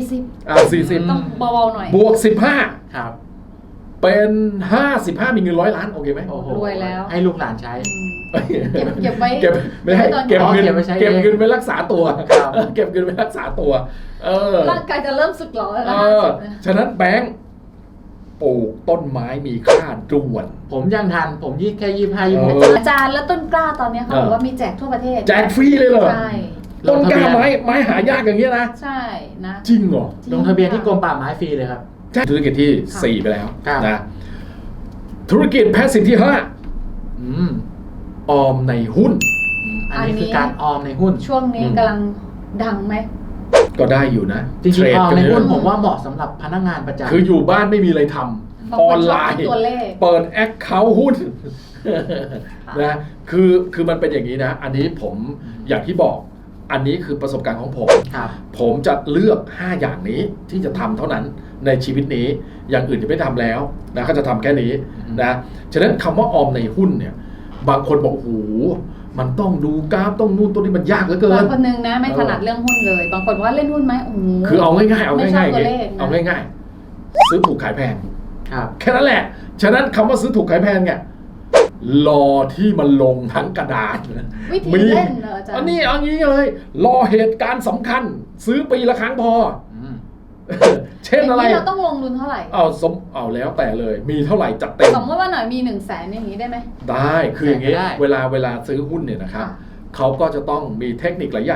[SPEAKER 3] 40
[SPEAKER 1] 40
[SPEAKER 3] ต้องเบาๆหน่อย
[SPEAKER 1] บวก
[SPEAKER 2] ครับ
[SPEAKER 1] 15 เป็น 55 มีเงิน100 ล้านโอเคไหม
[SPEAKER 2] โอ้โห
[SPEAKER 3] รวยแล้ว
[SPEAKER 2] ให้ลูกหลานใช้
[SPEAKER 3] เก็บไว้
[SPEAKER 1] เก็บไม่ให้
[SPEAKER 3] ตอน
[SPEAKER 1] เก็บเงิน
[SPEAKER 2] เก็บไว้ใช้เอง
[SPEAKER 1] เก็บเงินไว้รักษาตัว
[SPEAKER 2] ครับ
[SPEAKER 1] เก็บเงินไว้รักษาตัว
[SPEAKER 3] ร่างกายจะเริ่มสึกหรอแล้วนะ
[SPEAKER 1] ฉะนั้นแบงค์ปลูกต้นไม้มีค่าด่วน
[SPEAKER 2] ผมยังทัน ผมแค่25 26
[SPEAKER 3] อาจารย์แล้วต้นกล้าตอนนี้เขาบอกว่ามีแจกทั่วประเทศ
[SPEAKER 1] แจกฟรีเลยเหรอ
[SPEAKER 3] ใช่
[SPEAKER 1] ต้นกล้าไม้หายากอย่างเงี้ยนะ
[SPEAKER 3] ใช่นะ
[SPEAKER 1] จริงเหรอ
[SPEAKER 2] ลงทะเบียนที่กรมป่าไม้ฟรีเลยครับ
[SPEAKER 1] ธุรกิจที่
[SPEAKER 3] ค่ะ
[SPEAKER 1] 4 ไปแล้ว
[SPEAKER 2] ครับ
[SPEAKER 1] นะธุรกิจแพสซีฟที่
[SPEAKER 2] อืม
[SPEAKER 1] 5 ออมในหุ้น
[SPEAKER 2] อันนี้คือการออมในหุ้น
[SPEAKER 3] ช่วงนี้กำลังดังไหม
[SPEAKER 1] ก็ได้อยู่นะ
[SPEAKER 2] จริง
[SPEAKER 1] เทร
[SPEAKER 2] ๆ
[SPEAKER 1] ด
[SPEAKER 2] ออม
[SPEAKER 1] กัน
[SPEAKER 2] ใน
[SPEAKER 1] เย
[SPEAKER 2] หุ้น
[SPEAKER 1] อะ
[SPEAKER 2] ผมว่าเหมาะสำหรับพนักงานประจำ
[SPEAKER 1] คืออยู่บ้านไม่มีอะไรท
[SPEAKER 3] บาง
[SPEAKER 1] ำ
[SPEAKER 3] ค
[SPEAKER 1] ออน
[SPEAKER 3] ช
[SPEAKER 1] ไล
[SPEAKER 3] อบ
[SPEAKER 1] น์
[SPEAKER 3] ที่ตัวเลข
[SPEAKER 1] เปิดแอคเคาท์หุ้นนะคือมันเป็นอย่างนี้นะ อันนี้ผมอย่างที่บอก อันนี้คือประสบการณ์ของผม
[SPEAKER 2] ครับ
[SPEAKER 1] ผมจะเลือก 5 อย่างนี้ที่จะทำเท่านั้นในชีวิตนี้ อย่างอื่นจะไม่ทำแล้วนะก็จะทำแค่นี้นะฉะนั้นคำว่าออมในหุ้นเนี่ย บางคนบอกโอ้โหมันต้องดูกราฟต้องนู่นตัวนี้มันยากเหลือเกิ
[SPEAKER 3] บาน งคนนึงนะไม่ถนัดเรื่องหุ้นเลย บางคนว่าเล่นหุ้นไหมโอ้โห
[SPEAKER 1] คือเอาง่ายๆเอา
[SPEAKER 3] ไม่ชอ
[SPEAKER 1] ง่า
[SPEAKER 3] บ
[SPEAKER 1] ยๆ
[SPEAKER 3] ตัว
[SPEAKER 1] ไง
[SPEAKER 3] เลขนะ
[SPEAKER 1] เอาง่ายๆซื้อถูกขายแพง
[SPEAKER 2] ครับ
[SPEAKER 1] แค่นั้นแหละ ฉะนั้นคำว่าซื้อถูกขายแพงเนี่ยรอที่มันลงทั้งกระดาษ
[SPEAKER 3] วิธีเล่นเหรออาจารย์
[SPEAKER 1] อันนี้เอางี้เลย รอเหตุการณ์สำคัญ ซื้อปีละครั้งพอ
[SPEAKER 2] อืม
[SPEAKER 1] เช่นอะไร
[SPEAKER 3] ย่างนี้เราต้องลงทุนเท่าไหร่
[SPEAKER 1] เอาแล้วแต่เลย มีเท่าไหร่จัดเต็ม
[SPEAKER 3] สมมติว่าหน่อยมี100,000อย่างนี้ได้ไหม
[SPEAKER 1] ได้คืออย่างงี้
[SPEAKER 2] ได้
[SPEAKER 1] เวลาซื้อหุ้นเนี่ยนะครับ
[SPEAKER 3] ค่ะ
[SPEAKER 1] เขาก็จะต้องมีเทคนิคหลายอย่าง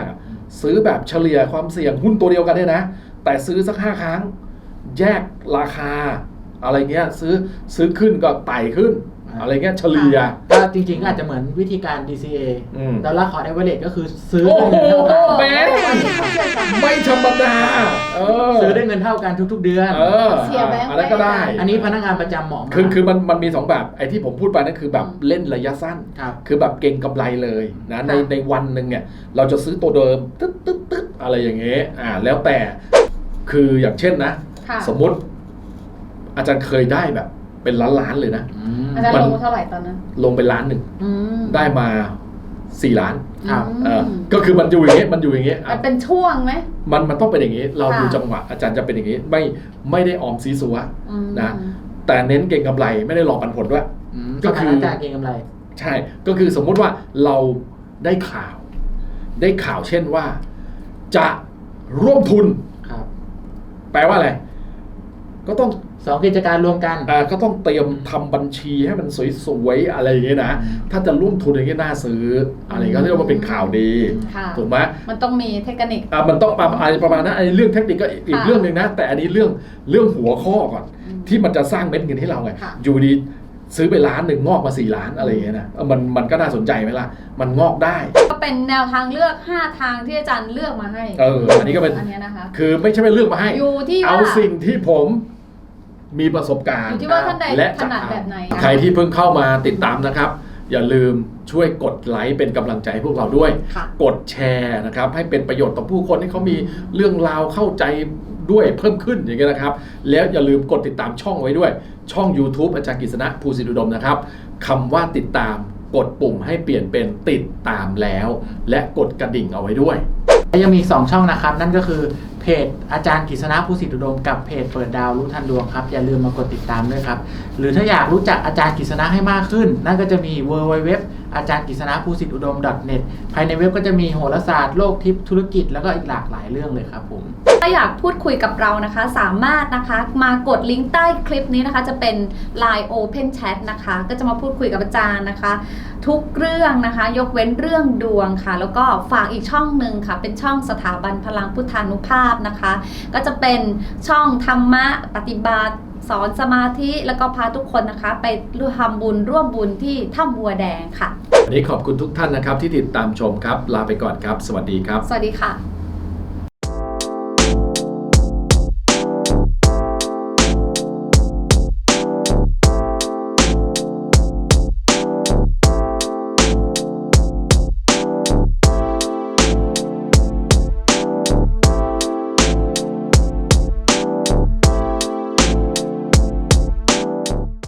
[SPEAKER 1] ซื้อแบบเฉลี่ยความเสี่ยงหุ้นตัวเดียวกันเนี่ยนะแต่ซื้อสัก5 ครั้งแยกราคาอะไรเงี้ยซื้อขึ้นก็ไต่ขึ้นอะไรเงี้ยเฉลี่ย
[SPEAKER 2] ก็จริงๆอาจจะเหมือนวิธีการ DCA ดอลลาร์คอร์ดเอเวอเรจก็คือซื้อ
[SPEAKER 1] โอ้โห
[SPEAKER 2] ได้เงินเท่ากัน
[SPEAKER 1] ไม่ธรรมดา
[SPEAKER 2] ซื้อได้เงินเท่ากันทุกๆเดือน
[SPEAKER 3] เสียแบงค์
[SPEAKER 1] อะไรก็ได้
[SPEAKER 2] อันนี้พนักงานประจำเหมาะมาก
[SPEAKER 1] คือมันมี2แบบไอ้ที่ผมพูดไปนั่นคือแบบเล่นระยะสั้น
[SPEAKER 2] ครับ
[SPEAKER 1] คือแบบเก่งกำไรเลยนะในวันหนึ่งเนี่ยเราจะซื้อตัวเดิมตึ๊ดอะไรอย่างเงี้ยแล้วแต่คืออย่างเช่นนะ
[SPEAKER 3] ค่ะ
[SPEAKER 1] สมมติอาจารย์เคยได้แบบเป็นล้านเลยนะ
[SPEAKER 3] อาจารย์ลงเท่าไหร่ตอนนั้น
[SPEAKER 1] ลงไป1 ล้าน ได้มา4 ล้าน
[SPEAKER 2] ครับ
[SPEAKER 1] ก็คือมันอยู่อย่างเงี้ยมันอยู่อย่างเงี้ย
[SPEAKER 3] มันเป็นช่วงไหม
[SPEAKER 1] มันต้องเป็นอย่างงี้เรา
[SPEAKER 3] ค่ะ
[SPEAKER 1] ดูจังหวะอาจารย์จะเป็นอย่างงี้ไม่ได้ออมซีซัว
[SPEAKER 3] อืม
[SPEAKER 1] นะแต่เน้นเก่งกำไรไม่ได้รอปันผลด้วย ก็
[SPEAKER 2] ก็
[SPEAKER 1] คื
[SPEAKER 2] คือ อจากเก็งกำไร
[SPEAKER 1] ใช่ก็คือสมมุติว่าเราได้ข่าว เช่นว่า จะร่วมทุน
[SPEAKER 2] ครับ
[SPEAKER 1] แปลว่าอะไรก็ต้อง
[SPEAKER 2] 2 กิจการรวมกัน
[SPEAKER 1] ก็ต้องเตรียมทำบัญชีให้มันสวยๆอะไรอย่างเงี้ยนะถ้าจะร่วมทุนอย่างเงี้ยน่าซื้ออะไรก็เรียกว่าเป็นข่าวดี
[SPEAKER 3] ค่ะ
[SPEAKER 1] ถูกไหม
[SPEAKER 3] มันต้องมีเทคนิค
[SPEAKER 1] มันต้องประมาณนั้นเรื่องเทคนิคก็อีกเรื่องหนึ่งนะแต่อันนี้เรื่องหัวข้อก่อนที่มันจะสร้างเม็ดเงินให้เราไง
[SPEAKER 3] ค่ะ
[SPEAKER 1] อยู่ดีซื้อไป1 ล้านงอกมา4 ล้านอะไรอย่างเงี้ยนะมันก็น่าสนใจไหมล่ะมันงอกได้
[SPEAKER 3] ก็เป็นแนวทางเลือก5 ทางที่อาจารย์เลือกมาให้
[SPEAKER 1] อันนี้ก็เป็น
[SPEAKER 3] อันเนี้ยนะคะ
[SPEAKER 1] คือไม่ใช่ไปเลือกมาให้
[SPEAKER 3] อยู่ที่ว่า
[SPEAKER 1] เอาสิ่งที่ผมมีประสบการ
[SPEAKER 3] อ
[SPEAKER 1] ณ์
[SPEAKER 3] ยู่ที่ว่าท่านใด
[SPEAKER 1] และ
[SPEAKER 3] ถนัดแบบไหน
[SPEAKER 1] ใครที่เพิ่งเข้ามาติดตามนะครับ อย่าลืมช่วยกดไลค์เป็นกำลังใจให้พวกเราด้วย
[SPEAKER 3] ค่ะ
[SPEAKER 1] กดแชร์นะครับให้เป็นประโยชน์ต่อผู้คนที่เขามีเรื่องราวเข้าใจด้วยเพิ่มขึ้นอย่างเงี้ยนะครับแล้วอย่าลืมกดติดตามช่องไว้ด้วย ช่อง YouTube อาจารย์กฤษณะภูสิทธิอุดมนะครับคำว่าติดตามกดปุ่มให้เปลี่ยนเป็นติดตามแล้ว และกดกระดิ่งเอาไว้ด้วย
[SPEAKER 2] ยังมีอีก2 ช่องนะครับ นั่นก็คือเพจอาจารย์กฤษณะภูสิทธิอุดมกับเพจเปิดดาวรู้ทันดวงครับอย่าลืมมากดติดตามด้วยครับหรือถ้าอยากรู้จักอาจารย์กฤษณะให้มากขึ้น นั่นก็จะมี www อาจารย์กฤษณะภูสิทธิอุดม .net ภายในเว็บก็จะมีโหราศาสตร์โลกทิพย์ธุรกิจแล้วก็อีกหลากหลายเรื่องเลยครับผม
[SPEAKER 3] ถ้าอยากพูดคุยกับเรานะคะสามารถนะคะมากดลิงก์ใต้คลิปนี้นะคะจะเป็น Line Open Chat นะคะก็จะมาพูดคุยกับอาจารย์นะคะทุกเรื่องนะคะยกเว้นเรื่องดวงค่ะแล้วก็ฝากอีกช่องหนึ่งค่ะเป็นช่องสถาบันพลังพุทธานุภาพนะคะก็จะเป็นช่องธรรมะปฏิบัติสอนสมาธิแล้วก็พาทุกคนนะคะไปทำบุญร่วมบุญที่ถ้ำบัวแดงค่ะ
[SPEAKER 1] วันนี้ขอบคุณทุกท่านนะครับที่ติดตามชมครับลาไปก่อนครับสวัสดีครับ
[SPEAKER 3] สวัสดีค่ะ